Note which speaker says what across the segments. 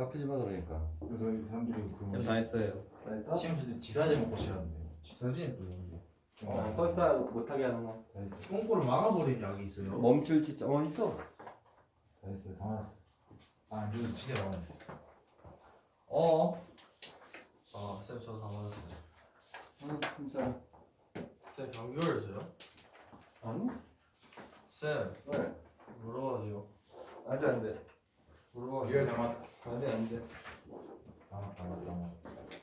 Speaker 1: 갚으지 마 그러니까.
Speaker 2: 그래서 이 사람들이 그
Speaker 3: 쌤 다 했어요.
Speaker 1: 다 했다?
Speaker 2: 시험 칠 때 지사제 먹고 싫어하는데.
Speaker 4: 사진에 또 뭔데?
Speaker 1: 설사 못하게 하는 거.
Speaker 2: 다 했어.
Speaker 4: 똥꼬를 막아버린 약이 있어요.
Speaker 1: 멈출 진짜 있어.
Speaker 2: 다 했어요. 다 맞았어. 아 이거 진짜 다 맞았어.
Speaker 3: 쌤 저 다 맞았어요.
Speaker 1: 진짜.
Speaker 3: 쌤 경교였어요?
Speaker 1: 아니?
Speaker 3: 쌤
Speaker 1: 왜?
Speaker 3: 물어봐도 돼요?
Speaker 1: 안돼 안돼.
Speaker 3: 물어봐도
Speaker 2: 이거
Speaker 3: 돼요?
Speaker 2: 다 맞.
Speaker 1: 안돼 안돼.
Speaker 2: 다 맞.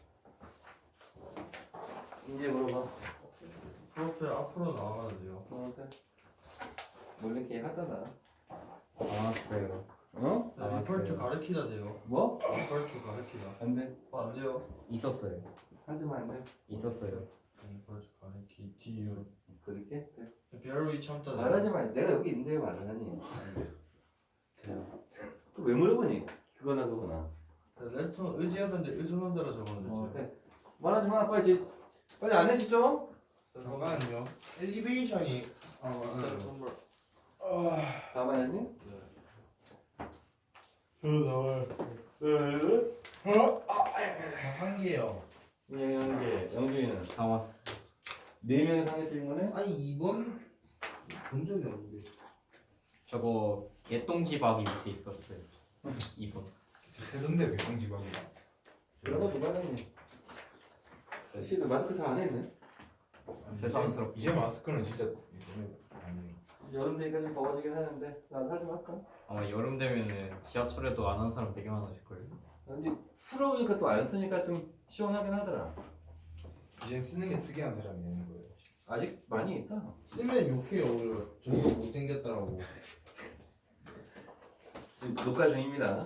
Speaker 1: 이제 물어봐.
Speaker 3: 프로필 앞으로 나와도 돼요?
Speaker 1: 너한테. 원래 계획하잖아.
Speaker 3: 알았어요.
Speaker 1: 어?
Speaker 3: 네, 리펄트 가르치다 돼요?
Speaker 1: 뭐?
Speaker 3: 리펄트 가르치다.
Speaker 1: 안돼.
Speaker 3: 안 돼요?
Speaker 5: 있었어요.
Speaker 1: 하지마 안돼.
Speaker 5: 있었어요.
Speaker 3: 리펄트 가르치 디유.
Speaker 1: 그렇게? 그래.
Speaker 3: 베로이 참다.
Speaker 1: 말하지 마. 내가 여기 있는데 말하니. 또 왜 물어보니? 그거나 그거나.
Speaker 3: 레스토랑 의지하던데 의존한 대로 적었는데.
Speaker 1: 그래. 말하지 마. 빨리 안 해지 좀.
Speaker 4: 잠깐만요. 엘리베이션이
Speaker 3: 쌤 선물.
Speaker 1: 가만히 했니?
Speaker 4: 한 개요.
Speaker 1: 영재, 영준이는
Speaker 5: 다 왔어.
Speaker 1: 4명이 상해 틀린 거네?
Speaker 4: 아니 이번 본 적이 없는데.
Speaker 5: 저거 개똥지박이 밑에 있었어요. 2번.
Speaker 2: 세던데 백성지방이다.
Speaker 1: 그런 거 누가 했니? 실도 마스크 다 안 했네?
Speaker 5: 새삼스럽게.
Speaker 2: 이제 마스크는 진짜 너무 아니에요.
Speaker 1: 여름 되니까 좀 더워지긴 하는데 나도 하지 말까?
Speaker 5: 아마 여름 되면은 지하철에도 안 하는 사람 되게 많아질 거예요.
Speaker 1: 근데 풀어오니까 또 안 쓰니까 좀 시원하긴 하더라.
Speaker 2: 이제 쓰는 게 특이한 사람이 되는 거예요.
Speaker 1: 아직 많이 있다.
Speaker 4: 쓰면 욕해요. 오히려 저거 못생겼다라고.
Speaker 1: 지금 녹화 중입니다.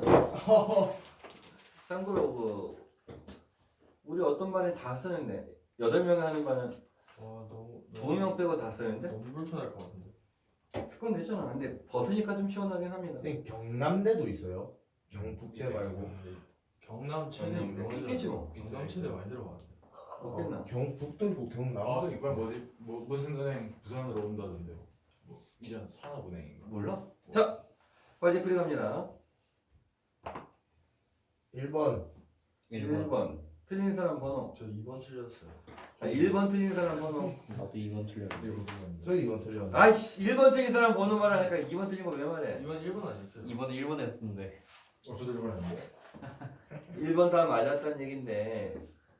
Speaker 1: 참고로 우리 어떤 반에 다 쓰는데 8명 하는 반은
Speaker 3: 와 너무
Speaker 1: 2명 빼고 다 쓰는데
Speaker 3: 너무 불편할 것 같은데.
Speaker 1: 습관 되잖아. 근데 벗으니까 좀 시원하긴 합니다.
Speaker 4: 선생님 경남대도 있어요. 경북대 말고.
Speaker 3: 경남 최대
Speaker 1: 아니,
Speaker 3: 유명하잖아.
Speaker 1: 있겠지 뭐.
Speaker 3: 경남 최대 많이 들어가는데.
Speaker 1: 없겠나?
Speaker 4: 경북도 있고 경남.
Speaker 2: 아 이번 무슨 은행 부산으로 온다던데. 뭐 이전 산업은행인가.
Speaker 1: 몰라? 자, 빨리 풀이 갑니다.
Speaker 4: 1번.
Speaker 1: 1번 틀린 사람 번호.
Speaker 3: 저 2번 틀렸어요.
Speaker 1: 1번 틀린 사람 번호.
Speaker 5: 나도 2번 틀렸는데.
Speaker 2: 이거 부분인데.
Speaker 4: 저 2번 틀렸네.
Speaker 1: 아이씨 1번 틀린 사람 번호 말하니까 2번 틀린 거 왜 말해?
Speaker 3: 2번 1번 아니었어요?
Speaker 5: 2번에 1번 했었는데.
Speaker 2: 저도 이번에
Speaker 1: 1번 다 맞았다는 얘긴데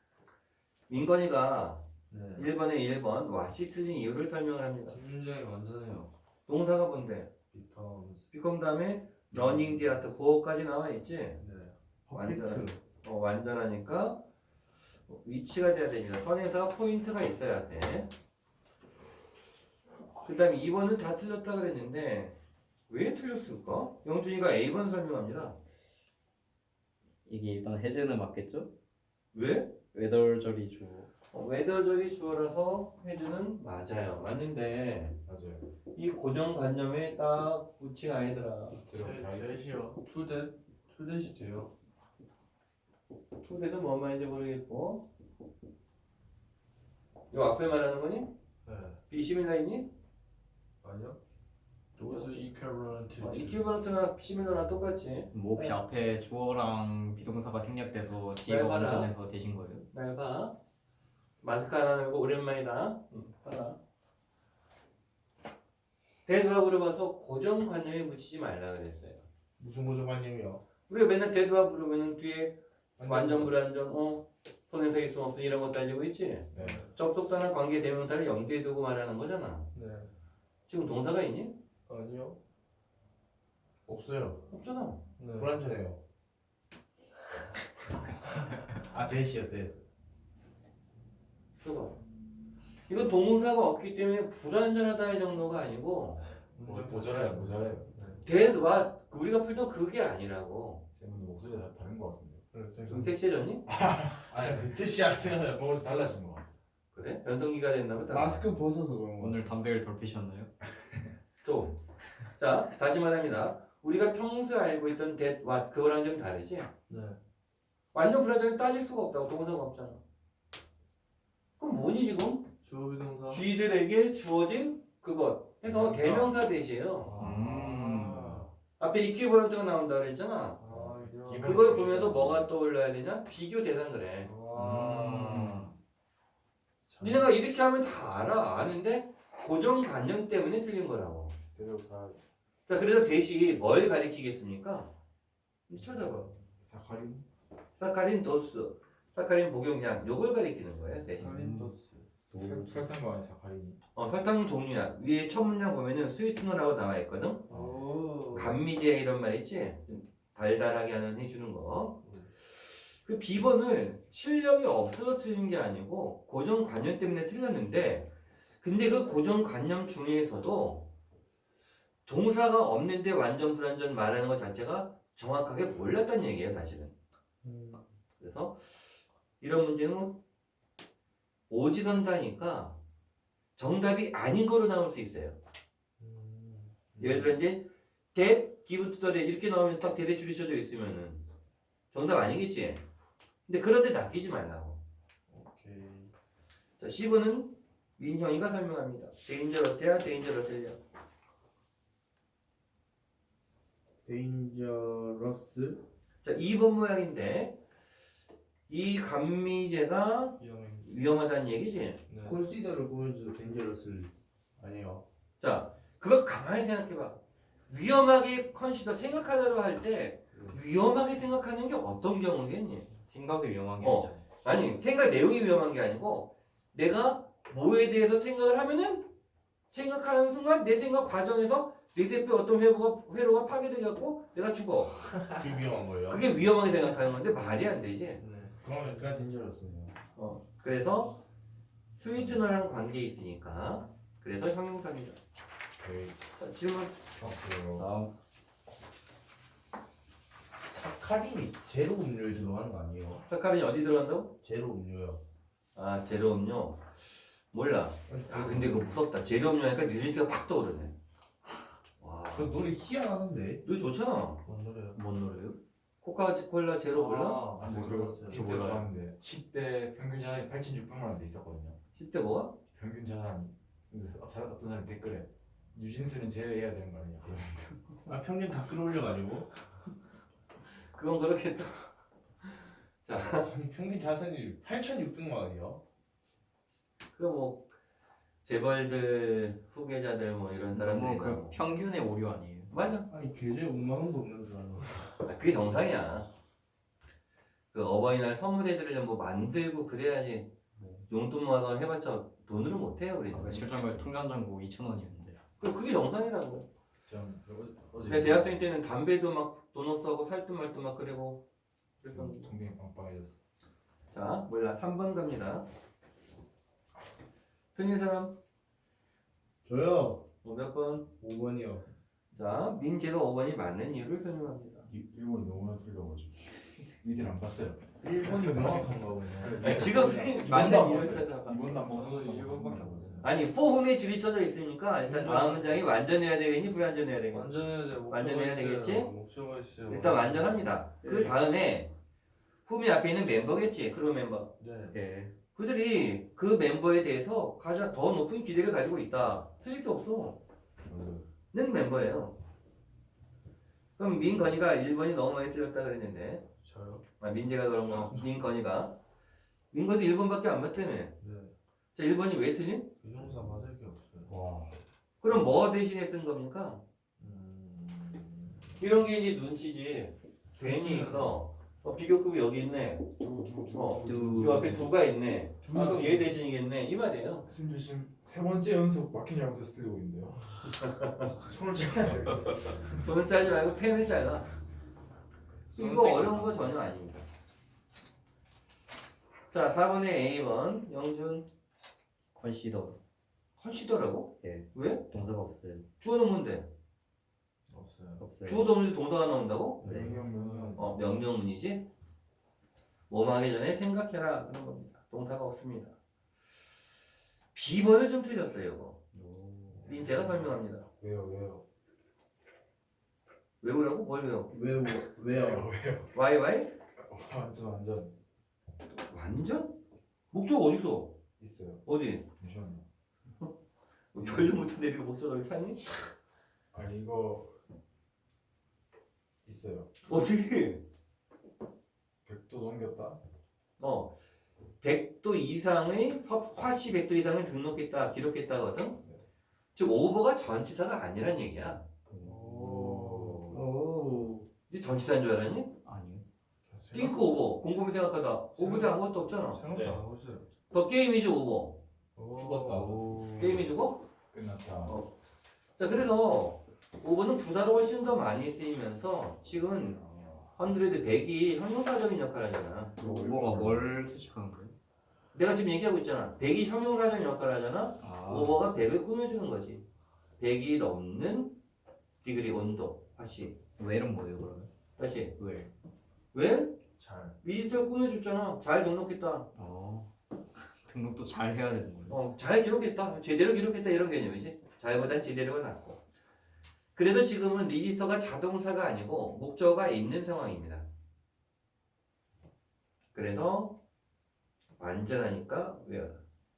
Speaker 1: 민건이가
Speaker 3: 네.
Speaker 1: 1번에 1번 왓이 틀린 이유를 설명을 합니다.
Speaker 3: 굉장히 완전해요.
Speaker 1: 동사가 뭔데?
Speaker 3: becomes.
Speaker 1: become 다음에 running the art 그거까지 나와 있지?
Speaker 3: 네.
Speaker 4: 퍼펙트.
Speaker 1: 완전하니까 위치가 돼야 됩니다. 선에서 포인트가 있어야 돼. 그 다음에 2번은 다 틀렸다 그랬는데 왜 틀렸을까? 영준이가 A번 설명합니다.
Speaker 5: 이게 일단 해제는 맞겠죠?
Speaker 1: 왜?
Speaker 5: 웨더절이 주어.
Speaker 1: 외도적이 주어라서 해주는 맞아요. 맞는데
Speaker 2: 맞아요.
Speaker 1: 이 고정관념에 딱 붙이가 아니더라.
Speaker 3: 대시요. 투댓이 돼요.
Speaker 1: 초대도 뭔 말인지 모르겠고 요 앞에 말하는 거니?
Speaker 3: 네.
Speaker 1: 비시밀러 있니?
Speaker 3: 아니요. Those equivalent to.
Speaker 1: 이퀴버런트나 시밀러랑 똑같이
Speaker 5: 뭐 혹시 앞에 주어랑 비동사가 생략돼서 뒤가
Speaker 1: 봐라.
Speaker 5: 완전해서 되신 거예요?
Speaker 1: 날 봐. 마스크 하나 들고 오랜만이다. 봐라. 대두합 물어봐서 고정관념에 붙이지 말라 그랬어요.
Speaker 4: 무슨 고정관념이요?
Speaker 1: 우리가 맨날 대두합 물으면 뒤에 완전 불완전 손에서 있음 없음 이런 거 따지고 있지?
Speaker 2: 네.
Speaker 1: 접속사나 관계 대명사를 염두에 두고 말하는 거잖아.
Speaker 3: 네.
Speaker 1: 지금 동사가 있니?
Speaker 3: 아니요.
Speaker 4: 없어요.
Speaker 1: 없잖아.
Speaker 3: 네.
Speaker 4: 불안전해요. 아 대시요 대.
Speaker 1: 줘봐. 이건 동사가 없기 때문에 불완전하다의 정도가 아니고
Speaker 2: 모자라요.
Speaker 1: 대와 우리가 풀던 그게 아니라고.
Speaker 2: 쌤은 목소리 다 다른 것 같은데.
Speaker 1: 좀 섹시해졌니?
Speaker 4: 아니 그 뜻이 아니라
Speaker 2: 목소리 달라진 것 같아.
Speaker 1: 그래? 변성기가 됐나 보다.
Speaker 4: 마스크 벗어서 그런 거.
Speaker 5: 오늘 담배를 덜 피셨나요?
Speaker 1: 좀. 자, 다시 말합니다. 우리가 평소에 알고 있던 that, what 그거랑 좀 다르지?
Speaker 3: 네.
Speaker 1: 완전 불완전히 따질 수가 없다고. 동사가 없잖아. 그럼 뭐니 지금?
Speaker 3: 주어 비동사.
Speaker 1: 쥐들에게 주어진 그것 해서 대명사 대시예요.
Speaker 3: 아.
Speaker 1: 앞에 이퀴버런트가 나온다 그랬잖아.
Speaker 3: 아 이런.
Speaker 1: 그걸 보면서 뭐가 떠올라야 되냐? 비교 대상 그래. 니네가 이렇게 하면 다 아는데 고정관념 때문에 틀린 거라고. 자, 그래서 대시 뭘 가리키겠습니까? 찾아봐.
Speaker 2: 사카린?
Speaker 1: 사카린 도수, 사카린 복용량, 요걸 가리키는 거예요, 대신.
Speaker 3: 살린도스.
Speaker 2: 설탕과 아니 사카린이.
Speaker 1: 설탕 종류야. 위에 첫 문장 보면은 스위트너라고 나와 있거든.
Speaker 3: 오.
Speaker 1: 감미제 이런 말 있지? 좀 달달하게 하는 해주는 거. 그 비번을 실력이 없어서 틀린 게 아니고 고정관념 때문에 틀렸는데, 근데 그 고정관념 중에서도 동사가 없는데 완전 불완전 말하는 것 자체가 정확하게 몰랐다는 얘기예요, 사실은. 그래서 이런 문제는 오지선다니까 정답이 아닌 거로 나올 수 있어요. 예를 들어 이제 that, give to the that 이렇게 나오면 딱 대대 줄이 쳐져 있으면은 정답 아니겠지. 근데 그런데 낚이지 말라고.
Speaker 3: 오케이.
Speaker 1: 자, 10번은 민형이가 설명합니다. dangerous야, dangerous야.
Speaker 4: 데인저러스.
Speaker 1: 자, 2번 모양인데 이 감미제가 위험하다는 얘기지.
Speaker 3: 네.
Speaker 4: 콘시더를 보면서 데인저러스 아니에요.
Speaker 1: 자, 그거 가만히 생각해봐. 위험하게 컨시더 생각하다로 할 때 위험하게 생각하는 게 어떤 경우겠니?
Speaker 5: 생각이 위험한 게
Speaker 1: 어.
Speaker 5: 아니잖아요.
Speaker 1: 아니, 생각 내용이 위험한 게 아니고 내가 뭐에 대해서 생각을 하면은 생각하는 순간 내 생각 과정에서 내 대표의 어떤 회로가 파괴되갖고 내가 죽어.
Speaker 4: 그게 위험한 거예요.
Speaker 1: 그게 위험하게 생각하는 건데 말이 안 되지.
Speaker 3: 네.
Speaker 4: 그러니까 데인저러스네요.
Speaker 1: 그래서 스위트너랑 관계 있으니까 그래서 형용사입니다.
Speaker 2: 오케이.
Speaker 1: 자, 질문.
Speaker 5: 다음
Speaker 4: 사카린이 제로 음료에 들어가는 거 아니에요?
Speaker 1: 사카린이 어디 들어간다고?
Speaker 4: 제로 음료요.
Speaker 1: 아, 제로 음료. 몰라. 아, 근데 그거 무섭다. 제로 음료 하니까 뉴질리가 팍 떠오르네. 와,
Speaker 4: 그 노래 희한하던데.
Speaker 1: 이거 좋잖아.
Speaker 3: 뭔 노래요?
Speaker 5: 뭔 노래요?
Speaker 1: 코카콜라 제로 몰라?
Speaker 3: 아,
Speaker 2: 저
Speaker 3: 못
Speaker 2: 그거
Speaker 3: 들었어요.
Speaker 5: 저
Speaker 2: 인터넷
Speaker 5: 몰라요.
Speaker 2: 봤는데 10대 평균 자산이 8,600만 원대 있었거든요.
Speaker 1: 10대 뭐가?
Speaker 2: 평균 자산이. 근데 어떤 사람이 댓글에 뉴진스는 제외해야 되는 거 아니야?
Speaker 4: 아 평균 다 끌어올려가지고.
Speaker 1: 그건 그렇겠다. 자,
Speaker 4: 평균 자산이 8,600만 원이요.
Speaker 1: 그거 뭐 재벌들, 후계자들 뭐 이런 사람들이
Speaker 5: 너무 그 평균의 오류 아니에요?
Speaker 1: 맞아.
Speaker 4: 아니 계좌에 5만 원도 없는 줄 알아.
Speaker 1: 아, 그게 정상이야. 그 어버이날 선물해드리려면 뭐 만들고 그래야지. 용돈 모아서 해봤자 돈으로 못해요 우리는.
Speaker 5: 며칠 전에 통장잔고 2,000원이었는데.
Speaker 1: 그게 정상이라고.
Speaker 2: 전 어제
Speaker 1: 내가 대학생 때는 담배도 막 돈 없어하고 살도 말도 막 그리고 그래서
Speaker 2: 동생이 빵빵해졌어.
Speaker 1: 자 몰라 3번 갑니다. 틀린 사람
Speaker 4: 저요.
Speaker 1: 몇 번?
Speaker 4: 5번이요.
Speaker 1: 자 민재가 5번이 맞는 이유를 설명합니다.
Speaker 2: 일본이 너무나 틀려가지고 니들 안 봤어요.
Speaker 4: 1번이 명확한가 보네.
Speaker 1: 아니, 지금 맞는
Speaker 2: 안
Speaker 1: 이유를
Speaker 2: 봤어요.
Speaker 1: 찾아봐.
Speaker 2: 이번 남
Speaker 3: 저도 1번밖에 안 봤어요.
Speaker 1: 아니 포함에 줄이 쳐져 있으니까 일단 다음 문장이 완전해야 되겠니 불완전해야 되겠니?
Speaker 3: 완전해야 돼.
Speaker 1: 완전해야 되겠지?
Speaker 3: 목표가 있어요.
Speaker 1: 일단 완전합니다. 그 다음에 홈이 앞에 있는 멤버겠지 크루 멤버.
Speaker 3: 네.
Speaker 5: 예.
Speaker 1: 그들이 그 멤버에 대해서 가장 더 높은 기대를 가지고 있다. 틀릴 게 없어. 는 멤버예요. 그럼 민건이가 1번이 너무 많이 틀렸다 그랬는데
Speaker 3: 저요?
Speaker 1: 아, 민재가 그런 거 민건이가 민건도 1번밖에 안 맞다며.
Speaker 3: 네.
Speaker 1: 자 1번이 왜 틀림?
Speaker 3: 비동사 맞을 게 없어요.
Speaker 4: 와.
Speaker 1: 그럼 뭐 대신에 쓴 겁니까? 이런 게 이제 눈치지. 괜히 있어. 비교급이 여기 있네. 이 앞에 두가 있네. 아, 그럼 얘 대신이겠네. 이 말이에요.
Speaker 2: 승준 지금 세 번째 연속 막힌 잘못해서 틀리고 있는데요. 손을 잘라야 돼.
Speaker 1: 손을 짜지 말고 펜을 잘라. 이거 어려운 거 전혀 아닙니다. 자 4번에 A번 영준
Speaker 5: 컨시더
Speaker 1: 컨시더라고?
Speaker 5: 예.
Speaker 1: 왜?
Speaker 5: 동사가 없어요.
Speaker 1: 주어는 뭔데?
Speaker 3: 없어요.
Speaker 5: 없어요.
Speaker 1: 주어도 없는데 동사가 나온다고?
Speaker 5: 네.
Speaker 1: 명령문이지. 뭐뭐 하기 전에 생각해라 그런 겁니다. 동사가 없습니다. B번을 좀 틀렸어요 이거. 제가 설명합니다.
Speaker 2: 왜요?
Speaker 1: 외우라고? 뭘 외워?
Speaker 4: 왜요?
Speaker 2: 왜요?
Speaker 1: Why?
Speaker 2: 완전
Speaker 1: 완전? 목적 어딨어?
Speaker 2: 있어요.
Speaker 1: 어디?
Speaker 2: 잠시만요.
Speaker 1: 뭐 결론부터 내리고 목적을 찾니?
Speaker 2: 아니 이거 있어요.
Speaker 1: 어떻게?
Speaker 2: 넘겼다.
Speaker 1: 100도 이상의 화씨 100도 이상을 등록했다, 기록했다거든. 즉 오버가 전치사가 아니란 얘기야.
Speaker 4: 오.
Speaker 1: 이 전치사인 줄 알았니?
Speaker 5: 아니요.
Speaker 1: think 오버, 곰곰이 생각하다. 오버도 아무것도 없잖아.
Speaker 3: 생각도 안 하고 있어요.
Speaker 1: 더 게임이지 오버.
Speaker 4: 죽었다.
Speaker 1: 게임이 주고.
Speaker 2: 끝났다.
Speaker 1: 자, 그래서 오버는 부사로 훨씬 더 많이 쓰이면서 지금 100이 형용사적인 역할을 하잖아.
Speaker 5: 오버가 뭘 수식하는 거예요?
Speaker 1: 내가 지금 얘기하고 있잖아. 100이 형용사적인 역할을 하잖아.
Speaker 5: 아,
Speaker 1: 오버가 100을 꾸며주는 거지. 100이 넘는 디그리 온도. 다시.
Speaker 5: 웰은 뭐예요 그러면?
Speaker 1: 다시.
Speaker 5: 웰.
Speaker 1: 왜?
Speaker 3: 잘.
Speaker 1: 미지털 꾸며줬잖아. 잘 등록했다.
Speaker 5: 등록도 잘 해야 되는 거예요?
Speaker 1: 잘 기록했다. 제대로 기록했다. 이런 개념이지. 잘보단 제대로가 낫고. 그래서 지금은 리지스터가 자동사가 아니고 목적어가 있는 상황입니다. 그래서 완전하니까 외워라.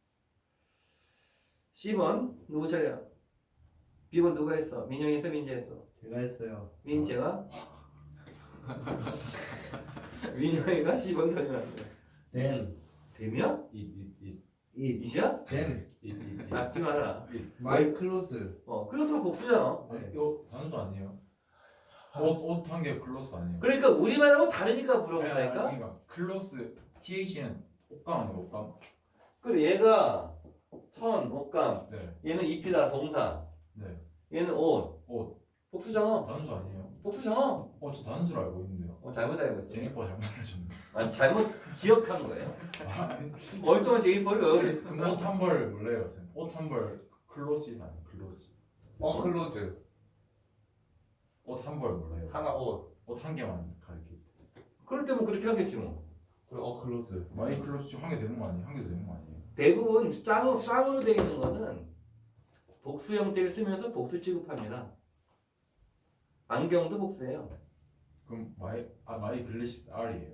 Speaker 1: C번 누구 차례야? B번 누가 했어? 민영이 했어? 민재 했어?
Speaker 4: 제가 했어요.
Speaker 1: 민재가? 민영이가 C번 설명할게.
Speaker 4: Then
Speaker 1: 되면?
Speaker 3: 이이이이이
Speaker 4: it.
Speaker 1: 이시야?
Speaker 4: Then
Speaker 1: 낙지 마라.
Speaker 4: my clothes.
Speaker 1: 클로스가 복수잖아.
Speaker 4: 네.
Speaker 2: 이거 단수 아니에요? 옷 한 개 클로스 아니에요?
Speaker 1: 그러니까 우리말하고 다르니까
Speaker 2: 아니,
Speaker 1: 물어본다니까?
Speaker 2: 그러니까 클로스 TH는 옷감 아니에요 옷감?
Speaker 1: 그래 얘가 옷감,
Speaker 2: 네.
Speaker 1: 얘는 잎이다 동사,
Speaker 2: 네.
Speaker 1: 얘는 옷,
Speaker 2: 옷
Speaker 1: 복수잖아.
Speaker 2: 단수 아니에요?
Speaker 1: 복수잖아.
Speaker 2: 저 단수로 알고 있는데요.
Speaker 1: 잘못 알고 있지.
Speaker 2: 제니퍼 잘못 알려줬는데.
Speaker 1: 아니 잘못 기억한 거예요.
Speaker 2: 아니,
Speaker 1: 멀쩡한 제이퍼를 왜
Speaker 2: 그럼 옷 한 벌 몰라요, 쌤. 옷 한 벌 클로시스 아니에요? 클로시.
Speaker 3: 클로즈.
Speaker 2: 옷 한 벌 몰라요.
Speaker 3: 하나 옷.
Speaker 2: 옷 한 개만 가르치.
Speaker 1: 그럴 때면 그렇게 하겠지 뭐.
Speaker 3: 그리고 클로즈.
Speaker 2: 마이 클로시 한 개 되는 거 아니에요? 한 개 되는 거 아니에요?
Speaker 1: 대부분 쌍으로 되어 있는 거는 복수 형태를 쓰면서 복수 취급합니다. 안경도 복수예요.
Speaker 2: 그럼 마이 글래시스 R이에요.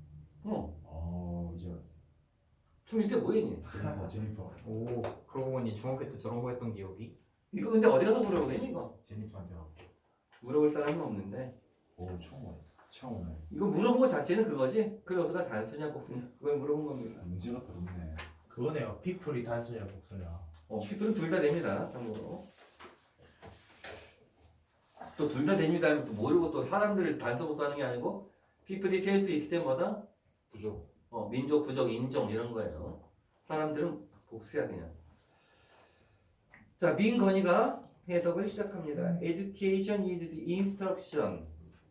Speaker 2: 이제 알았어.
Speaker 1: 중1 때 뭐 했니?
Speaker 2: 제니퍼.
Speaker 5: 오, 그러고 보니 중학교 때 저런 거 했던 기억이?
Speaker 1: 이거 근데 어디 가서 물어보겠니 이거?
Speaker 2: 제니퍼한테 하고.
Speaker 1: 물어볼 사람은 없는데
Speaker 2: 처음 알았어. 처음 오네.
Speaker 1: 이거 물어본 거 자체는 그거지? 클로스가 단수냐 복수냐 그걸 물어본 겁니다.
Speaker 3: 문제가 더럽네.
Speaker 4: 그거네요. people이 단수냐 복수냐.
Speaker 1: 피플은 둘 다 됩니다. 참고로. 또 둘 다 됩니다 하면 또 모르고 또 사람들을 단서 복수하는 게 아니고 피플이 셀 수 있을 때마다
Speaker 3: 부족.
Speaker 1: 민족, 부족, 인종 이런 거예요. 사람들은 복수야 그냥. 자, 민건이가 해석을 시작합니다. Education is the instruction.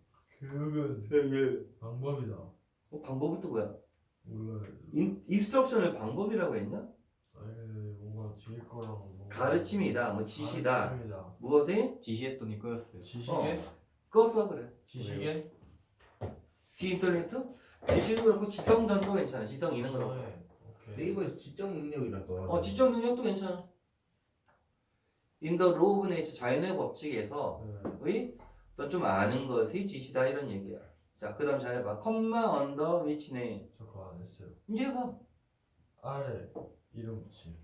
Speaker 6: 교육은 방법이다.
Speaker 1: 방법은 또 뭐야?
Speaker 6: 몰라요.
Speaker 1: 인스트럭션을 방법이라고 했나?
Speaker 6: 아니 뭔가 뒤에 거랑 뭔가
Speaker 1: 가르침이다, 뭐 지시다.
Speaker 6: 가르침이다.
Speaker 1: 무엇에?
Speaker 5: 지시했더니 끄였어요.
Speaker 6: 지식에
Speaker 1: 그거 그래.
Speaker 6: 지식에
Speaker 1: 디인터넷도? 지시도 그렇고 지성전도 괜찮아. 지성 있는 거.
Speaker 6: 네. 오케이.
Speaker 4: 네이버에서 지적 능력이라 또.
Speaker 1: 지적 능력도 괜찮아. In the law of nature, 자연의 법칙에서의
Speaker 6: 네.
Speaker 1: 어떤 좀 아는 것이 지시다 이런 얘기야. 자, 그 다음 잘 해봐. 컴마 언더 위치 네임.
Speaker 6: 저 그거 안 했어요.
Speaker 1: 이제 해봐.
Speaker 6: 아래 이름 붙임.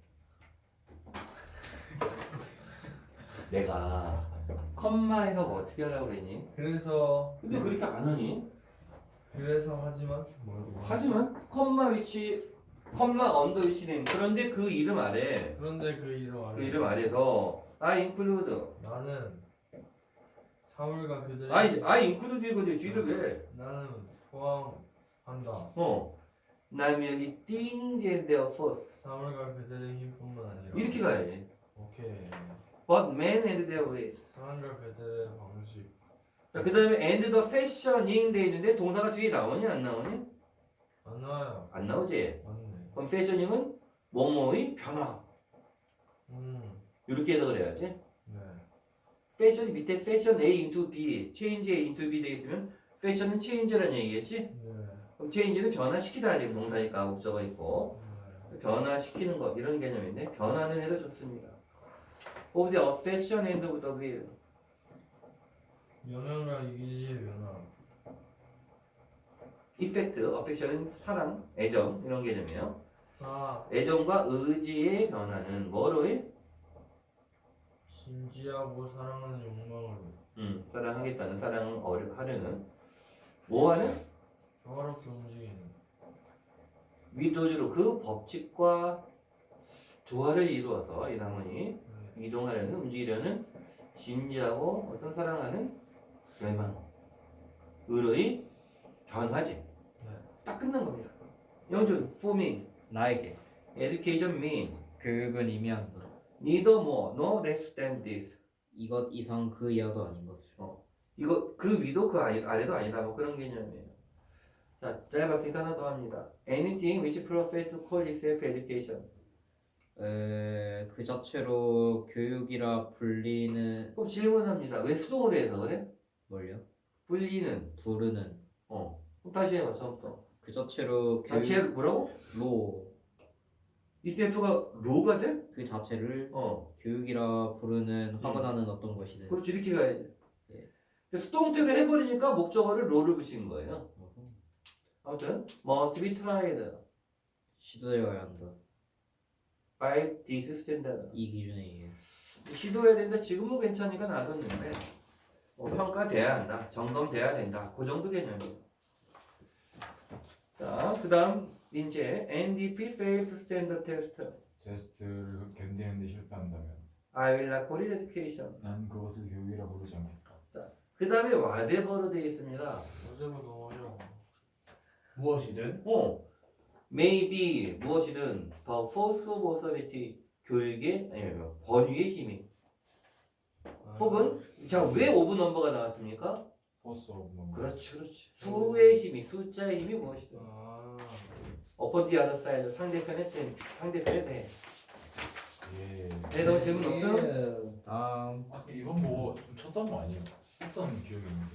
Speaker 1: 내가 컴마에서 뭐 어떻게 하라고 그랬니?
Speaker 6: 그래서
Speaker 1: 근데 그렇게 안 하니?
Speaker 6: 하지만 뭐라고?
Speaker 1: 하지만 컴마 위치, 컴마 언더 위치 네임. 그런데 그 이름 아래,
Speaker 6: 그런데 그 이름 아래
Speaker 1: 그 이름 아래서 I include.
Speaker 6: 나는 사물과 그들의
Speaker 1: I include 이거지. 뒤를 왜?
Speaker 6: 나는 포함한다.
Speaker 1: 난 여기 things and their force.
Speaker 6: 사물과 그들의 힘뿐만 아니라
Speaker 1: 이렇게 가야지.
Speaker 6: 오케이.
Speaker 1: But man and their ways.
Speaker 6: 사람과 그들의 방식.
Speaker 1: 자, 그 다음에 and the fashioning 돼 있는데 동사가 뒤에 나오니 안 나오니?
Speaker 6: 안 나와요.
Speaker 1: 안 나오지.
Speaker 6: 맞네.
Speaker 1: 그럼 fashioning은 뭐뭐의 변화. 이렇게 해석을 해야지.
Speaker 6: 네.
Speaker 1: 패션이 밑에 fashion A into B, change A into B 되겠으면 fashion은 change라는 얘기겠지?
Speaker 6: 네.
Speaker 1: 그럼 change는 변화시키다 지금 동사니까 목적어 있고
Speaker 6: 네.
Speaker 1: 변화시키는 것 이런 개념인데 변화는 해도 좋습니다. Of the affection and of the will.
Speaker 6: 영향과 이기지의 변화.
Speaker 1: Effect, affection은 사랑, 애정 이런 개념이에요.
Speaker 6: 아,
Speaker 1: 애정과 의지의 변화는 뭐로 해?
Speaker 6: 진지하고 사랑하는 욕망으로
Speaker 1: 사랑하겠다는 사랑을 하려는 뭐하는?
Speaker 6: 조화롭게 움직이는
Speaker 1: 위도주로 그 법칙과 조화를 이루어서 이 나머지
Speaker 6: 네.
Speaker 1: 이동하려는 움직이려는 진지하고 어떤 사랑하는 열망,의의 변화지. 딱 끝난 겁니다. 영준, for me,
Speaker 5: 나에게
Speaker 1: education mean
Speaker 5: 교육은 의미한다.
Speaker 1: neither more nor less than this.
Speaker 5: 이것 이상 그 이하도 아닌 것을.
Speaker 1: 이거 그 위도 그 아래도 아니다. 뭐 그런 개념이에요. 자, 짧았으니까 하나 더 합니다. Anything which profits to call itself education.
Speaker 5: 그 자체로 교육이라 불리는
Speaker 1: 그럼 질문합니다. 왜 수동으로 해서 그래?
Speaker 5: 뭘요?
Speaker 1: 불리는.
Speaker 5: 부르는
Speaker 1: 그럼 다시 해봐. 처음부터.
Speaker 5: 그 자체로
Speaker 1: 자체 뭐라고?
Speaker 5: 로
Speaker 1: ECF가 로가 돼?
Speaker 5: 그 자체를
Speaker 1: 어.
Speaker 5: 교육이라 부르는 화가 나는 어떤 것이든.
Speaker 1: 그렇지 이렇게 가야지.
Speaker 5: 네.
Speaker 1: 근데 수동태로 해버리니까 목적어를 로를 붙인 거예요.
Speaker 5: 어허.
Speaker 1: 아무튼 must be tried
Speaker 5: 시도되어야 한다.
Speaker 1: by this standard.
Speaker 5: 이 기준에 의해.
Speaker 1: 시도해야 된다. 지금은 괜찮으니까 놔뒀는데 평가돼야 한다. 점검돼야 된다. 그 정도 개념이에요. 자, 그 다음 이제 NDP failed standard test.
Speaker 2: 테스트를 견디는데 실패한다면
Speaker 1: I will not call it education.
Speaker 2: 난 그것을 교육이라 부르지 않겠다.
Speaker 1: 그 다음에 whatever로 되어 있습니다.
Speaker 6: 어제보다 너무 어려워.
Speaker 4: 무엇이든
Speaker 1: maybe 무엇이든 the force of authority 교육의 아니면 권위의 힘이 혹은 자 왜 오브 넘버가 나왔습니까?
Speaker 2: 포스 오브 넘버.
Speaker 1: 그렇지 수의 힘이 숫자의 힘이 무엇이든 upon the other side 상대편에 대해
Speaker 2: 예.
Speaker 1: 네, 너 질문 없어?
Speaker 5: 다음
Speaker 2: 이번 뭐좀 쳤던 거 아니에요? 쳤던 기억이 있는데.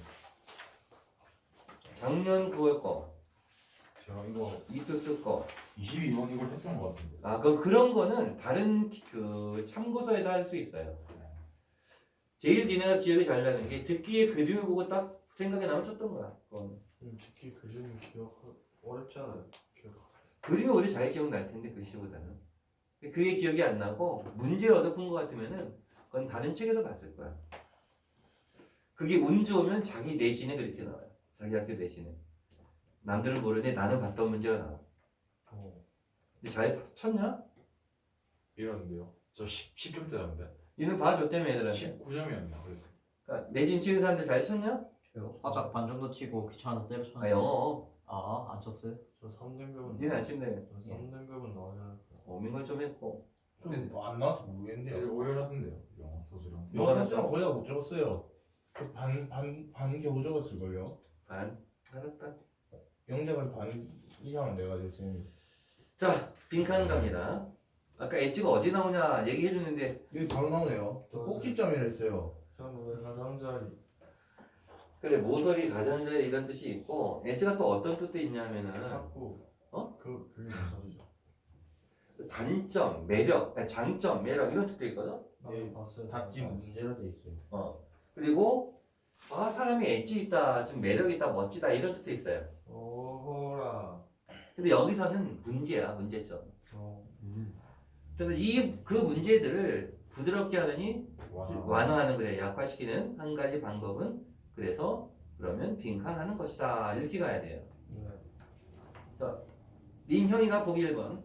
Speaker 1: 작년 9월 거
Speaker 2: 제가 이거
Speaker 1: 이투스 거
Speaker 2: 22번 이걸 했던 것 같은데.
Speaker 1: 아, 그런 거는 다른 그 참고서에서 할 수 있어요. 제일 니네가 기억이 잘 나는 게 듣기에 그림을 보고 딱 생각이 나면 쳤던 거야. 그건.
Speaker 6: 특히 그림 기억 어렵잖아요. 기억.
Speaker 1: 그림이 오히려 잘 기억날 텐데 글씨보다는. 그게 기억이 안 나고 문제를 얻어본 것 같으면은 그건 다른 책에서 봤을 거야. 그게 운 좋으면 자기 내신에 그렇게 나와요. 자기 학교 내신에. 남들은 모르는데 나는 봤던 문제가 나와. 근데 잘 쳤냐?
Speaker 2: 이러는데요. 저 10점 대던데.
Speaker 1: 니는 봐줬다며 애들한테.
Speaker 2: 19점이었나 그래서.
Speaker 1: 그러니까 내신 치는 사람들 잘 쳤냐?
Speaker 5: 저요? 화작 반 정도 치고 귀찮아서
Speaker 1: 아
Speaker 5: 때려쳤는데.
Speaker 1: 영어.
Speaker 5: 안 쳤어요?
Speaker 6: 저 3등급은
Speaker 1: 니는 안 친대.
Speaker 6: 3등급은 나와야
Speaker 1: 민건 좀 했고.
Speaker 4: 좀안 나와서 모르겠네요.
Speaker 2: 오열하던데요. 영어 서술형.
Speaker 1: 뭐가
Speaker 4: 영어 수는
Speaker 1: 났어?
Speaker 4: 거의 다 못 적었어요. 반 겨우 적었을걸요.
Speaker 1: 반. 알았다.
Speaker 4: 영작은 반 이상은 내가지고 쌤이.
Speaker 1: 자, 빈칸 갑니다. 아까 엣지가 어디 나오냐 얘기해줬는데
Speaker 4: 여기 바로 나오네요. 저 꼭지점이라 했어요.
Speaker 6: 저는 왜 가장자리
Speaker 1: 그래 모서리 가장자리 이런 뜻이 있고 엣지가 또 어떤 뜻도 있냐면은
Speaker 6: 자꾸 그게 무슨 소리죠?
Speaker 1: 단점, 매력, 아니, 장점, 매력 이런 뜻도 있거든.
Speaker 6: 네 봤어요.
Speaker 4: 답지 문제로 돼 있어요.
Speaker 1: 그리고 아 사람이 엣지 있다, 좀 매력 있다, 멋지다 이런 뜻도 있어요.
Speaker 6: 오호라.
Speaker 1: 근데 여기서는 문제야, 문제점. 그래서 그 문제들을 부드럽게 하느니 완화하는 그래 약화시키는 한 가지 방법은 그래서 그러면 빈칸하는 것이다 이렇게 가야 돼요.
Speaker 6: 네.
Speaker 1: 자, 민형이가 보기 1번.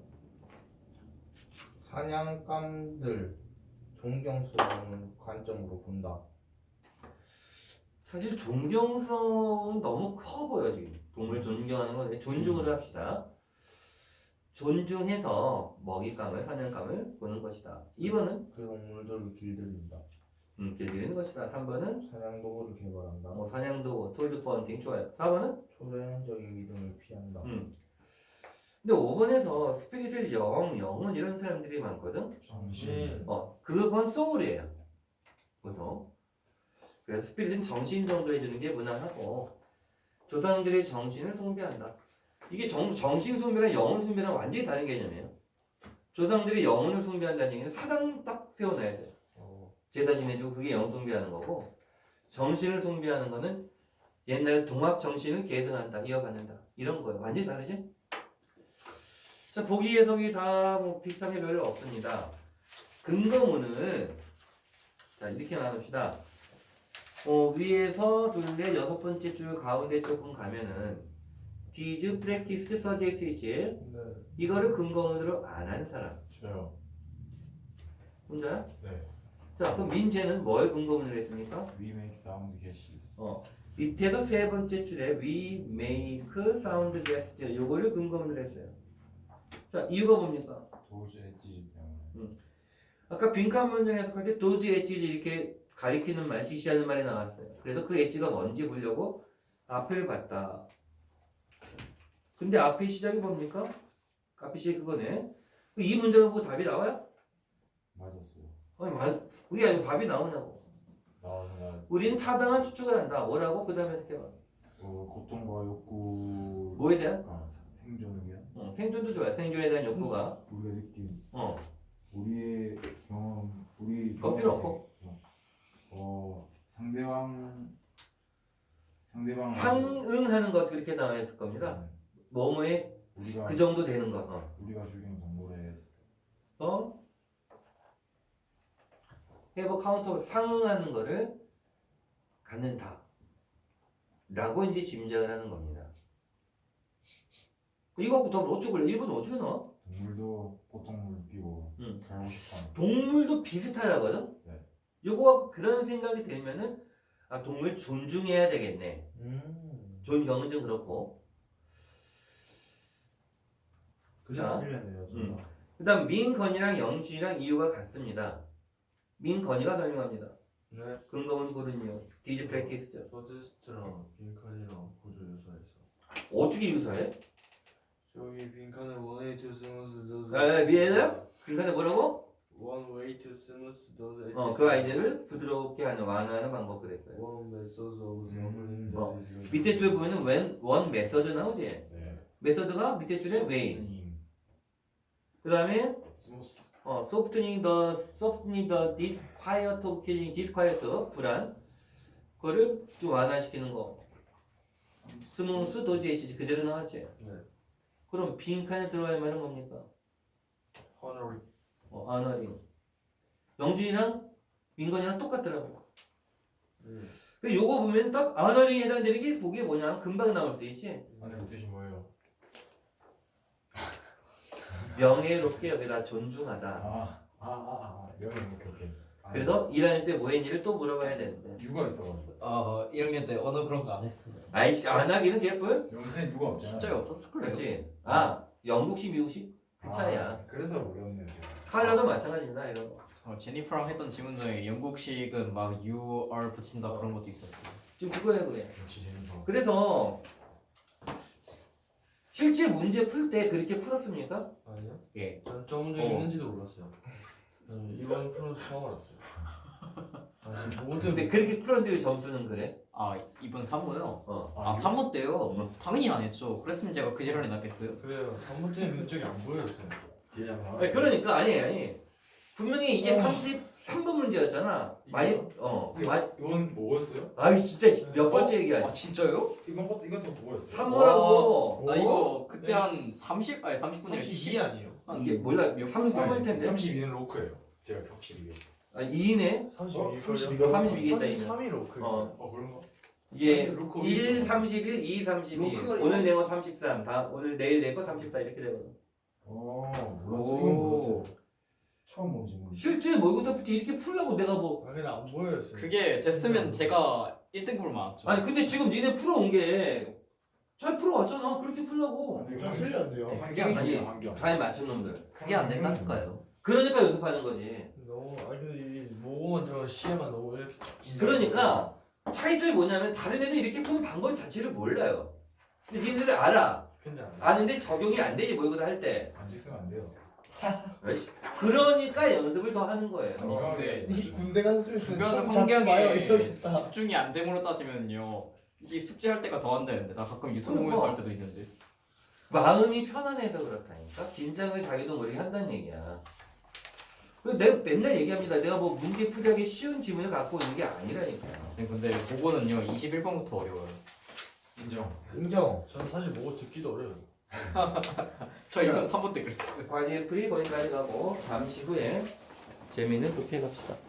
Speaker 4: 사냥감들 존경스러운 관점으로 본다.
Speaker 1: 사실 존경스러운 너무 커 보여 지금. 동물 존경하는 건 존중을 합시다. 존중해서 먹잇감을 사냥감을 보는 것이다. 2번은
Speaker 4: 그 동물들을 길들인다.
Speaker 1: 길들이는 것이다. 3번은
Speaker 4: 사냥 도구를 개발한다.
Speaker 1: 사냥도 톨드 펀팅 좋아요. 4번은
Speaker 4: 초래적인 믿음을 피한다.
Speaker 1: 근데 5번에서 스피릿을 영은 이런 사람들이 많거든.
Speaker 6: 정신.
Speaker 1: 그건 소울이에요. 보통. 그래서 스피릿은 정신 정도 해주는 게 무난하고 조상들의 정신을 숭배한다. 이게 정신 숭배랑 영혼 숭배랑 완전히 다른 개념이에요. 조상들이 영혼을 숭배한다는 얘기는 사당 딱 세워놔야 돼요. 제사 지내주고 그게 영혼 숭배하는 거고 정신을 숭배하는 거는 옛날에 동학 정신을 계승한다, 이어받는다 이런 거예요. 완전히 다르지? 자, 보기 해석이 다 뭐 비슷한 게 별로 없습니다. 근거문을 자 이렇게 나눕시다. 위에서 둘레 6번째 줄 가운데 조금 가면은 did practice suggest
Speaker 6: 네.
Speaker 1: 이거를 근거문으로 안 한 사람
Speaker 2: 저요.
Speaker 1: 혼자야?
Speaker 2: 네.
Speaker 1: 자 그럼 민재는 뭘 근거문으로 했습니까?
Speaker 2: We make sound guesses.
Speaker 1: 밑에서 세 번째 줄에 we make sound gesture 요거를 근거문으로 했어요. 자 이유가 뭡니까?
Speaker 2: 도저히 엣지 때문에.
Speaker 1: 아까 빈칸 문장 해석할 때 도즈 엣지 이렇게 가리키는 말, 지시하는 말이 나왔어요. 그래서 그 엣지가 뭔지 보려고 앞을 봤다. 근데 앞의 시작이 뭡니까? 앞의 시작이 그거네. 이 문장을 보고 답이 나와요?
Speaker 2: 맞았어요.
Speaker 1: 아니, 그게 아니고 답이 나오냐고.
Speaker 2: 나는
Speaker 1: 우리는 타당한 추측을 한다. 뭐라고? 그 다음에 어떻게 봐?
Speaker 2: 고통과 욕구.
Speaker 1: 뭐에 대한?
Speaker 2: 생존을 위한.
Speaker 1: 생존도 좋아요. 생존에 대한 욕구가.
Speaker 2: 우리가 느낀
Speaker 1: 어.
Speaker 2: 우리의 경험, 우리
Speaker 1: 그거 필요 없고.
Speaker 2: 상대방
Speaker 1: 상응하는 것 그렇게 나와 있을 겁니다. 뭐뭐에
Speaker 2: 우리가
Speaker 1: 그 정도 되는 것.
Speaker 2: 우리가 죽인 동물의
Speaker 1: 해버 카운터 상응하는 거를 갖는다. 라고 이제 짐작을 하는 겁니다. 이거 답을 어떻게 볼래? 1번 어떻게 나와?
Speaker 2: 동물도 고통을 느끼고 살고 싶어하는.
Speaker 1: 동물도 비슷하다거든?
Speaker 2: 네.
Speaker 1: 요거 그런 생각이 들면은 아 동물 존중해야 되겠네. 존경은 좀 그렇고.
Speaker 4: 그래서 틀렸네요.
Speaker 1: 그 다음 민건이랑 영준이랑 이유가 같습니다. 민건이가 설명합니다.
Speaker 6: 네.
Speaker 1: 근거문 고른 이유. 디즈 프랙티스죠.
Speaker 6: 서제스트랑 빈칸이랑 보조 요소에서.
Speaker 1: 어떻게 유사해?
Speaker 6: 저기 빈칸에 one way to smooth those.
Speaker 1: 미안해요? 빈칸에 뭐라고?
Speaker 6: One way to smooth those.
Speaker 1: 그 아이디어를 부드럽게 하는 완화하는 방법 그랬어요.
Speaker 6: One method of solving the
Speaker 1: 밑에 줄 보면은 when one method 나오지?
Speaker 2: 네.
Speaker 1: 메서드가 밑에 줄에 way. 그 다음에
Speaker 6: 스무스.
Speaker 1: softening the disquiet of killing, disquiet 불안 그거를 좀 완화시키는 거. 스무스 도지에이지 그대로 나왔지.
Speaker 6: 네.
Speaker 1: 그럼 빈칸에 들어갈 말은 뭡니까?
Speaker 6: 허너리.
Speaker 1: 아너링. 영준이랑 민건이랑 똑같더라고.
Speaker 6: 네.
Speaker 1: 그 요거 보면 딱 아너링에 해당되는 게 보기에 뭐냐 금방 나올 수 있지.
Speaker 2: 아니 뜻이 뭐예요?
Speaker 1: 명예롭게 여기다 존중하다.
Speaker 2: 명예 오케이.
Speaker 1: 그래서 일하는 때 뭐 했니를 또 물어봐야 되는데.
Speaker 2: 유가 있어가지고.
Speaker 5: 1학년 때 언어 그런 거 안 했어요.
Speaker 1: 아이씨 안 하기는 개뿔?
Speaker 2: 영생 유가 없잖아.
Speaker 5: 진짜 없었을 거예요.
Speaker 1: 그렇지. 영국식 미국식 그 차이야.
Speaker 2: 그래서 어려웠네요.
Speaker 1: 칼라도 마찬가지입니다 이런 거.
Speaker 5: 제니퍼랑 했던 질문 중에 영국식은 막 you are 붙인다 그런 것도 있었어요.
Speaker 1: 지금 그거예요 그게.
Speaker 2: 역시 재밌어.
Speaker 1: 그래서 실제 문제 풀 때 그렇게 풀었습니까?
Speaker 6: 아니요?
Speaker 5: 예.
Speaker 6: 전 저 문제 있는지도 몰랐어요. 이번 프로도 처음 알았어요. 모든
Speaker 1: 근데 그렇게 풀었는데 왜 점수는 그래?
Speaker 5: 이번 3호요?
Speaker 1: 어.
Speaker 5: 3호 때요? 당연히 안 했죠. 그랬으면 제가 그 지랄이 났겠어요?
Speaker 6: 그래요. 3번 때는 면적이 안 보였어요.
Speaker 1: 아니, 그러니까 아니 분명히 이게 33번 문제였잖아. 많이
Speaker 2: 이건 뭐였어요?
Speaker 1: 아이 진짜 몇 번째 얘기야.
Speaker 5: 진짜요?
Speaker 2: 이것도 뭐였어요?
Speaker 1: 3호라고.
Speaker 5: 나 이거 그때 한 30분에
Speaker 6: 32 아니에요?
Speaker 1: 이게 몰라
Speaker 5: 몇
Speaker 1: 33번일 텐데.
Speaker 2: 32는 로크예요. 제가 격식이게.
Speaker 1: 2네.
Speaker 6: 32걸요?
Speaker 1: 32겠다, 이네.
Speaker 6: 33이 로크.
Speaker 2: 그런가?
Speaker 1: 이게
Speaker 2: 로크
Speaker 1: 1, 31, 2, 32.
Speaker 4: 로크가
Speaker 1: 오늘 내거 33. 오늘 내일 내거 34 이렇게 되거든.
Speaker 2: 몰랐어. 이건 몰랐어요. 처음 본 질문.
Speaker 1: 실제 모의고사 때 이렇게 풀라고 내가 뭐.
Speaker 6: 아 근데 안 보였어요.
Speaker 5: 그게 됐으면 제가 1등급을 맞았죠.
Speaker 1: 아니 근데 지금 니네 풀어온 게 잘 풀어왔잖아. 그렇게 풀라고.
Speaker 4: 다 틀렸네요.
Speaker 2: 환경이
Speaker 1: 아니,
Speaker 2: 중요해요, 환경.
Speaker 1: 잘 맞춘 놈들.
Speaker 5: 그게 안 된다니까요.
Speaker 1: 그러니까 연습하는 거지.
Speaker 6: 너무 근데 이 모고만 들어간 시에만 너무 이렇게
Speaker 1: 그러니까 차이점이 뭐냐면 다른 애들 이렇게 푸는 방법 자체를 몰라요. 근데 니네들 알아.
Speaker 6: 근데 안 돼.
Speaker 1: 아는데 적용이 안 되지 모의고사 할 때.
Speaker 2: 안식 쓰면 안 돼요.
Speaker 1: 그러니까 연습을 더 하는 거예요.
Speaker 5: 근데
Speaker 4: 이 군대 가서 좀 있으면
Speaker 5: 주변
Speaker 4: 좀 잡지 마요
Speaker 5: 환경에
Speaker 4: 이러겠다.
Speaker 5: 집중이 안 됨으로 따지면요. 이게 숙제할 때가 더 한다는데 나 가끔 유튜브 보면서 할 때도 있는데.
Speaker 1: 마음이 편안해서 그렇다니까. 긴장을 자기도 모르게 한다는 얘기야. 내가 맨날 얘기합니다. 내가 뭐 문제 풀이하기 쉬운 지문을 갖고 있는 게 아니라니까요.
Speaker 5: 선생님 근데 그거는요 21번부터 어려워요.
Speaker 4: 인정.
Speaker 6: 전 사실 모고 듣기도 어려워요.
Speaker 5: 저 이건 3번 때 그랬어요.
Speaker 1: 과제 풀이 거기까지 가고 잠시 후에 재미있는 도피해 갑시다.